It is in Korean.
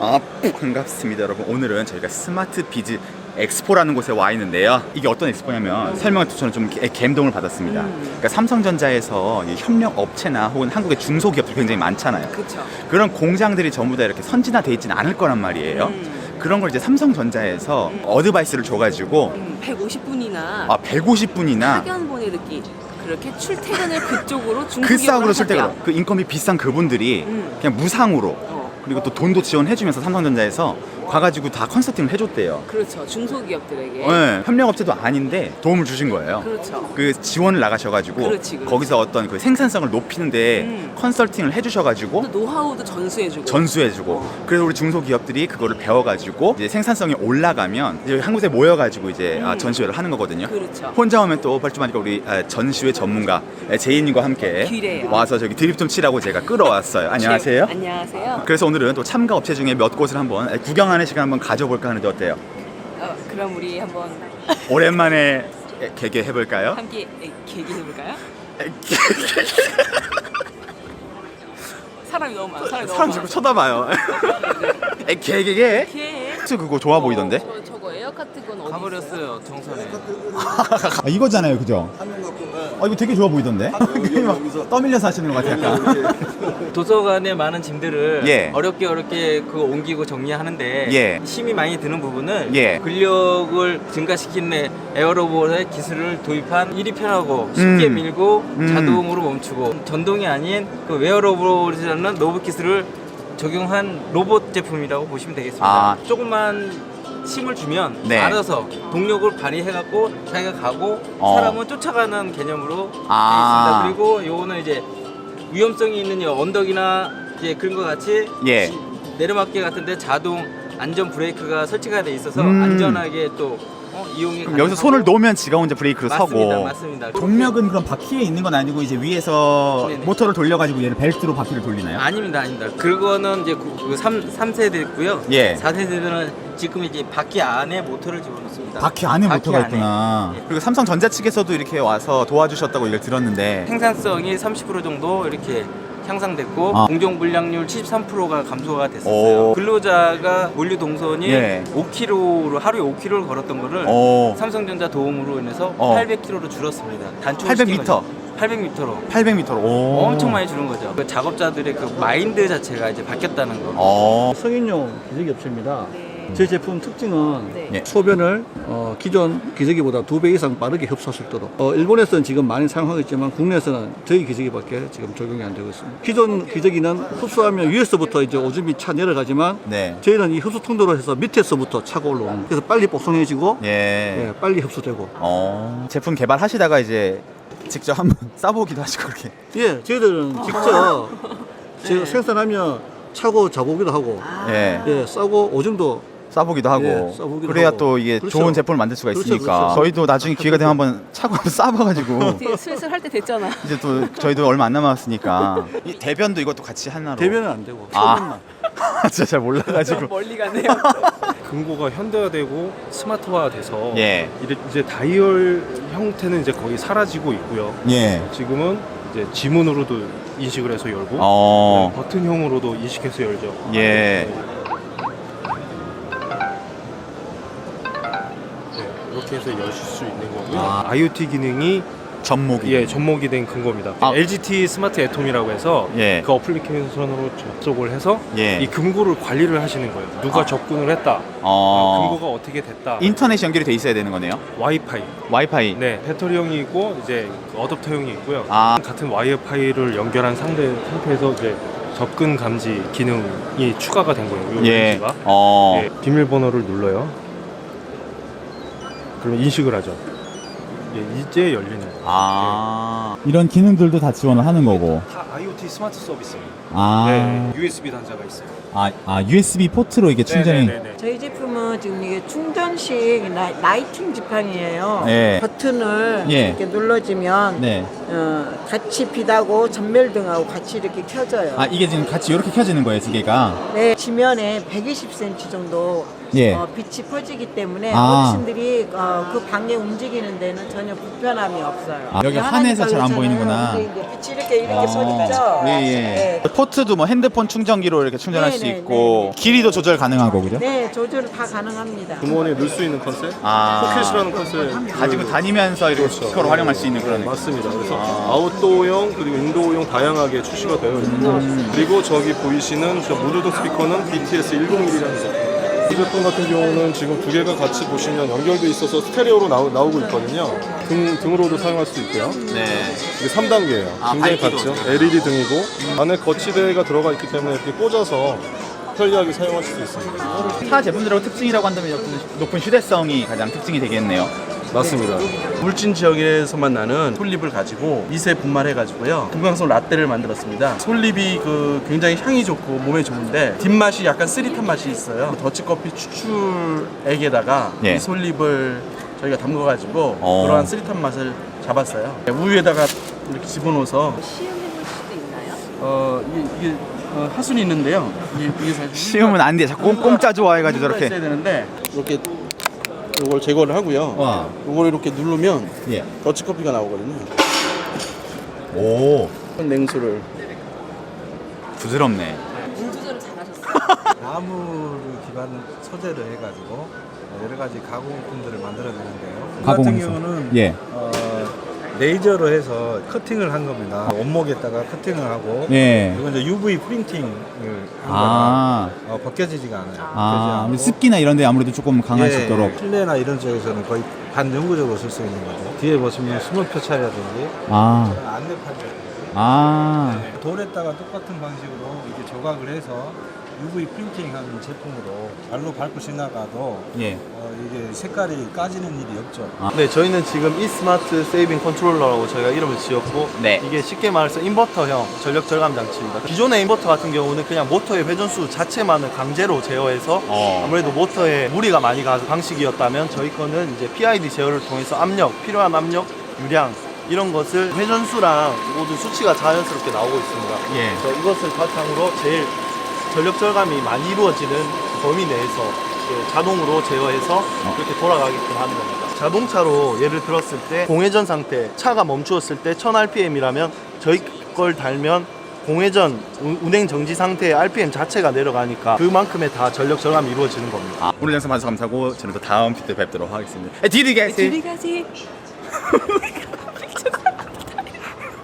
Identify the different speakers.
Speaker 1: 반갑습니다 여러분. 오늘은 저희가 스마트 비즈 엑스포라는 곳에 와 있는데요. 이게 어떤 엑스포냐면 설명을 듣고 저는 좀 감동을 받았습니다. 그러니까 삼성전자에서 이 협력 업체나 혹은 한국의 중소기업들 굉장히 많잖아요.
Speaker 2: 그쵸.
Speaker 1: 그런 공장들이 전부 다 이렇게 선진화되어 있지는 않을 거란 말이에요. 그런 걸 이제 삼성전자에서 어드바이스를 줘가지고
Speaker 2: 150분이나
Speaker 1: 150분이나
Speaker 2: 학연 보내듣기 그렇게 출퇴근을 그쪽으로
Speaker 1: 그
Speaker 2: 중소기업으로
Speaker 1: 싸움으로 출퇴근,
Speaker 2: 하세요.
Speaker 1: 그 인건비 비싼 그분들이 그냥 무상으로 그리고 또 돈도 지원해주면서 삼성전자에서 가가지고 다 컨설팅을 해줬대요.
Speaker 2: 그렇죠. 중소기업들에게.
Speaker 1: 네, 협력업체도 아닌데 도움을 주신 거예요.
Speaker 2: 그렇죠.
Speaker 1: 그 지원을 나가셔가지고
Speaker 2: 그렇지.
Speaker 1: 거기서 어떤 그 생산성을 높이는데 컨설팅을 해주셔가지고
Speaker 2: 또 노하우도 전수해주고.
Speaker 1: 전수해주고 그래서 우리 중소기업들이 그거를 배워가지고 이제 생산성이 올라가면 이제 한 곳에 모여가지고 이제 전시회를 하는 거거든요.
Speaker 2: 그렇죠.
Speaker 1: 혼자 오면 또 벌쭘하니까 우리 전시회 전문가 제이님과 함께
Speaker 2: 기래요.
Speaker 1: 와서 저기 드립 좀 치라고 제가 끌어왔어요. 안녕하세요.
Speaker 2: 안녕하세요.
Speaker 1: 그래서 오늘은 또 참가 업체 중에 몇 곳을 한번 구경하는 시간 한번 가져볼까 하는데 어때요?
Speaker 2: 그럼 우리 한번
Speaker 1: 오랜만에 개개 해볼까요?
Speaker 2: 함께 계기해볼까요? 사람이 너무 많아.
Speaker 1: 사람 자꾸 쳐다봐요. 개개개?
Speaker 2: 개.
Speaker 1: 그거 좋아 보이던데?
Speaker 2: 저거 에어카트 건 어디
Speaker 3: 가버렸어요 정선에.
Speaker 1: 이거잖아요, 그죠? 이거 되게 좋아 보이던데? 막 떠밀려서 하시는 것 같아요, 약간.
Speaker 3: 도서관에 많은 짐들을
Speaker 1: 예.
Speaker 3: 어렵게 그거 옮기고 정리하는데
Speaker 1: 예.
Speaker 3: 힘이 많이 드는 부분을
Speaker 1: 예.
Speaker 3: 근력을 증가시키는 에어로봇의 기술을 도입한 일이 편하고 쉽게 밀고 자동으로 멈추고 전동이 아닌 그 웨어로봇이라는 로봇 기술을 적용한 로봇 제품이라고 보시면 되겠습니다. 조금만 힘을 주면
Speaker 1: 네.
Speaker 3: 알아서 동력을 발휘해갖고 자기가 가고 사람은 쫓아가는 개념으로 되어 있습니다. 그리고 요거는 이제 위험성이 있는 이 언덕이나 이제 그런 것 같이
Speaker 1: 예.
Speaker 3: 내리막길 같은데 자동 안전 브레이크가 설치가 돼 있어서 안전하게 또 이용이
Speaker 1: 그럼 여기서 손을 놓으면 지가 혼자 브레이크를
Speaker 3: 맞습니다,
Speaker 1: 서고.
Speaker 3: 맞습니다.
Speaker 1: 동력은 그럼 바퀴에 있는 건 아니고 이제 위에서
Speaker 3: 네네.
Speaker 1: 모터를 돌려가지고 얘를 벨트로 바퀴를 돌리나요?
Speaker 3: 아닙니다. 그거는 이제 3세대 있고요.
Speaker 1: 예.
Speaker 3: 4세대는 지금 이제 바퀴 안에 모터를 집어넣습니다.
Speaker 1: 바퀴 안에 모터가
Speaker 3: 안에.
Speaker 1: 있구나.
Speaker 3: 예.
Speaker 1: 그리고 삼성전자 측에서도 이렇게 와서 도와주셨다고 얘기를 들었는데
Speaker 3: 생산성이 30% 정도 이렇게 향상됐고 공정 불량률 73%가 감소가
Speaker 1: 오.
Speaker 3: 됐었어요. 근로자가 원료 동선이
Speaker 1: 예.
Speaker 3: 5km로 하루에 5km를 걸었던 거를
Speaker 1: 오.
Speaker 3: 삼성전자 도움으로 인해서 800km로 줄었습니다. 단축
Speaker 1: 800m?
Speaker 3: 800m로
Speaker 1: 800m로.
Speaker 3: 엄청 많이 줄은 거죠. 그 작업자들의 그 마인드 자체가 이제 바뀌었다는 거.
Speaker 4: 성인용 기저귀 업체입니다.
Speaker 2: 네.
Speaker 4: 제 제품 특징은
Speaker 2: 네.
Speaker 1: 예.
Speaker 4: 소변을 기존 기저귀보다 2배 이상 빠르게 흡수할 수 있도록 일본에서는 지금 많이 사용하고 있지만 국내에서는 저희 기저귀밖에 지금 적용이 안 되고 있습니다. 기존 기저귀는 흡수하면 위에서부터 이제 오줌이 차 내려가지만
Speaker 1: 네.
Speaker 4: 저희는 이 흡수 통로로 해서 밑에서부터 차가 올라오는 그래서 빨리 뽀송해지고
Speaker 1: 예.
Speaker 4: 빨리 흡수되고
Speaker 1: 제품 개발하시다가 이제 직접 한번 싸보기도 하시고 그렇게.
Speaker 4: 저희들은 직접 제가 생산하면 차고 자보기도 하고
Speaker 1: 예.
Speaker 4: 싸고 오줌도
Speaker 1: 싸보기도 하고
Speaker 4: 싸보기도
Speaker 1: 그래야
Speaker 4: 하고.
Speaker 1: 또 이게
Speaker 4: 그렇죠.
Speaker 1: 좋은 제품을 만들 수가
Speaker 4: 그렇죠,
Speaker 1: 있으니까
Speaker 4: 그렇죠.
Speaker 1: 저희도 나중에 기회가 되면 한번 차고 한번 싸봐가지고
Speaker 2: 되게 슬슬 할 때 됐잖아.
Speaker 1: 이제 또 저희도 얼마 안 남았으니까 이 대변도 이것도 같이 하나로.
Speaker 4: 대변은 안 되고
Speaker 1: 아.
Speaker 4: 소변만.
Speaker 1: 진짜 잘 몰라가지고.
Speaker 2: 멀리 가네요.
Speaker 5: 금고가 현대화되고 스마트화돼서
Speaker 1: 예.
Speaker 5: 이제 다이얼 형태는 이제 거의 사라지고 있고요.
Speaker 1: 예.
Speaker 5: 지금은 이제 지문으로도 인식을 해서 열고 버튼형으로도 인식해서 열죠.
Speaker 1: 예.
Speaker 5: 네, 이렇게 해서 여실 수 있는 거고요. IoT 기능이
Speaker 1: 접목이.
Speaker 5: 접목이 된 근거입니다. LGT 스마트 애톰이라고 해서
Speaker 1: 예.
Speaker 5: 그 어플리케이션으로 접속을 해서
Speaker 1: 예.
Speaker 5: 이 금고를 관리를 하시는 거예요. 누가 접근을 했다. 금고가 어떻게 됐다.
Speaker 1: 인터넷이 연결이 돼 있어야 되는 거네요. 와이파이.
Speaker 5: 네, 배터리형이 있고 이제 어댑터형이 있고요.
Speaker 1: 아.
Speaker 5: 같은 와이파이를 연결한 상태에서 이제 접근 감지 기능이 추가가 된 거예요. 이
Speaker 1: 예.
Speaker 5: 렌즈가. 예, 비밀번호를 눌러요. 그러면 인식을 하죠. 예, 이제 열리는 거예요.
Speaker 1: 이런 기능들도 다 지원을 하는 거고.
Speaker 5: 다 IoT 스마트 서비스예요.
Speaker 1: 아.
Speaker 5: 네, USB 단자가 있어요.
Speaker 1: USB 포트로 이게 충전이.
Speaker 5: 네네네.
Speaker 6: 저희 제품은 지금 이게 충전식 라이팅 지팡이에요.
Speaker 1: 네.
Speaker 6: 버튼을
Speaker 1: 예.
Speaker 6: 이렇게 눌러주면
Speaker 1: 네.
Speaker 6: 같이 빛하고 전멸등하고 같이 이렇게 켜져요.
Speaker 1: 이게 지금 같이 이렇게 켜지는 거예요, 두 개가.
Speaker 6: 네, 지면에 120cm 정도
Speaker 1: 예.
Speaker 6: 빛이 퍼지기 때문에
Speaker 1: 아.
Speaker 6: 어르신들이 그 방에 움직이는 데는 전혀 불편함이 없어요.
Speaker 1: 여기
Speaker 6: 하나니까
Speaker 1: 환해서 잘 안
Speaker 6: 그렇잖아요.
Speaker 1: 보이는구나.
Speaker 6: 근데 이제 빛이 이렇게 쏘니까 있어요.
Speaker 1: 예. 포트도 뭐 핸드폰 충전기로 이렇게 충전할
Speaker 6: 네,
Speaker 1: 수
Speaker 6: 네,
Speaker 1: 있고 길이도 조절 가능하고 그죠?
Speaker 6: 네, 조절 다 가능합니다.
Speaker 7: 주머니에 넣을 수 있는 컨셉?
Speaker 1: 아.
Speaker 7: 포켓이라는 컨셉.
Speaker 1: 가지고 다니면서 이렇게 스피커로 활용할 수 있는 그런
Speaker 7: 네, 맞습니다. 그래서 아웃도어용 그리고 인도어용 다양하게 출시가 되어 있고 그리고 저기 보이시는 저 무드등 스피커는 BTS 101이라는 제품. 이 제품 같은 경우는 지금 두 개가 같이 보시면 연결돼 있어서 스테레오로 나오고 있거든요. 등으로도 사용할 수 있고요.
Speaker 1: 네.
Speaker 7: 이게 3단계예요.
Speaker 1: 아,
Speaker 7: 굉장히
Speaker 1: 밝기도.
Speaker 7: 같죠. LED 등이고 안에 거치대가 들어가 있기 때문에 이렇게 꽂아서 편리하게 사용하실 수 있습니다.
Speaker 1: 타 제품들하고 특징이라고 한다면 높은 휴대성이 가장 특징이 되겠네요.
Speaker 7: 맞습니다.
Speaker 8: 울진 지역에서만 나는 솔잎을 가지고 미세 분말해가지고요 금강송 라떼를 만들었습니다. 솔잎이 굉장히 향이 좋고 몸에 좋은데 뒷맛이 약간 쓰릿한 맛이 있어요. 더치커피 추출액에다가
Speaker 1: 예.
Speaker 8: 이 솔잎을 저희가 담궈가지고
Speaker 1: 어.
Speaker 8: 그러한 쓰릿한 맛을 잡았어요. 우유에다가 이렇게 집어넣어서
Speaker 2: 시음해 볼 수도 있나요?
Speaker 8: 이게 하순이 있는데요. 이게 사실
Speaker 1: 시음은 안 돼. 자꾸 공짜 좋아해가지고 저렇게.
Speaker 8: 있어야 되는데 이렇게 이걸 제거를 하고요.
Speaker 1: 와.
Speaker 8: 이걸 이렇게 누르면
Speaker 1: 예.
Speaker 8: 더치커피가 나오거든요.
Speaker 1: 오.
Speaker 8: 냉수를
Speaker 1: 부드럽네.
Speaker 2: 물 조절을 잘하셨어요.
Speaker 9: 나무를 기반 소재로 해가지고 여러 가지 가공품들을 만들어내는데요. 이
Speaker 1: 가공
Speaker 9: 같은
Speaker 1: 용품.
Speaker 9: 경우는
Speaker 1: 예.
Speaker 9: 레이저로 해서 커팅을 한 겁니다. 원목에다가 커팅을 하고
Speaker 1: 예.
Speaker 9: 그리고 이제 UV 프린팅을 한
Speaker 1: 아.
Speaker 9: 거라 벗겨지지가 않아요.
Speaker 1: 아,
Speaker 9: 벗겨지지
Speaker 1: 습기나 이런 데 아무래도 조금 강할 수
Speaker 9: 예,
Speaker 1: 있도록.
Speaker 9: 실내나 이런 쪽에서는 거의 반영구적으로 쓸 수 있는 거죠. 뒤에 보시면 수물 표차라든지
Speaker 1: 아.
Speaker 9: 안내판이라든지
Speaker 1: 아.
Speaker 9: 돌에다가 똑같은 방식으로 이렇게 조각을 해서 UV 프린팅하는 제품으로 발로 밟고 지나가도
Speaker 1: 예.
Speaker 9: 이게 색깔이 까지는 일이 없죠.
Speaker 8: 네, 저희는 지금 이스마트 세이빙 컨트롤러라고 저희가 이름을 지었고
Speaker 1: 네.
Speaker 8: 이게 쉽게 말해서 인버터형 전력 절감 장치입니다. 기존의 인버터 같은 경우는 그냥 모터의 회전수 자체만을 강제로 제어해서 아무래도 모터에 무리가 많이 가는 방식이었다면 저희 거는 이제 PID 제어를 통해서 압력, 필요한 압력, 유량 이런 것을 회전수랑 모든 수치가 자연스럽게 나오고 있습니다.
Speaker 1: 예.
Speaker 8: 그래서 이것을 바탕으로 제일 전력 절감이 많이 이루어지는 범위 내에서 자동으로 제어해서 그렇게 돌아가게끔 하는 겁니다. 자동차로 예를 들었을 때 공회전 상태, 차가 멈추었을 때 1000rpm이라면 저희 걸 달면 공회전 운행 정지 상태의 RPM 자체가 내려가니까 그만큼의 다 전력 절감이 이루어지는 겁니다.
Speaker 1: 아, 오늘 영상 봐주셔서 감사하고 저는 또 다음 피드 뵙도록 하겠습니다. 디리게스.
Speaker 2: 둘이 가지.